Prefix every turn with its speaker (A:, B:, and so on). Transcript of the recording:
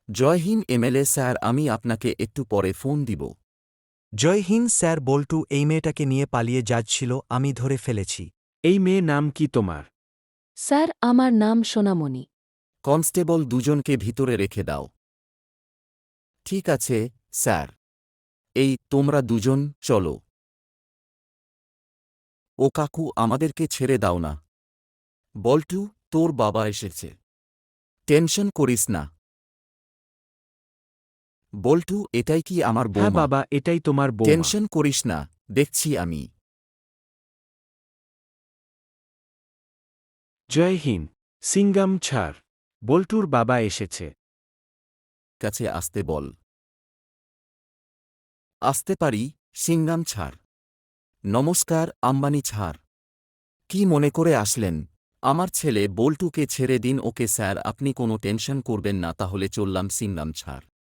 A: জয় Hind MLA sir, আমি আপনাকে একটু পরে ফোন দিব।
B: জয় হিন্দ স্যার, বল্টু এই মেয়েটাকে নিয়ে পালিয়ে যাচ্ছিল, আমি ধরে ফেলেছি।
C: এই মেয়ে নাম কি তোমার?
D: স্যার, আমার নাম সোনামণি।
A: কনস্টেবল, দুজনকে ভিতরে রেখে দাও। ঠিক আছে স্যার। এই তোমরা দুজন চলো। ও কাকু, আমাদেরকে ছেড়ে দাও না। বল্টু, তোর বাবা এসেছে। টেনশন করিস না। বল্টু, এটাই কি আমার
C: হ্যাঁ
A: বৌমা?
C: বাবা, এটাই তোমার বৌমা।
A: টেনশন করিস না, দেখছি আমি।
C: জয় হিন্দ। সিঙ্গাম ছাড়। বল্টুর বাবা এসেছে।
A: কাছে আসতে বল। আসতে পারি, সিঙ্গাম ছাড়। নমস্কার আম্বানি ছাড়। কি মনে করে আসলেন? আমার ছেলে বল্টুকে ছেড়ে দিন। ওকে স্যার, আপনি কোনো টেনশন করবেন না, তাহলে চললাম সিঙ্গাম ছাড়।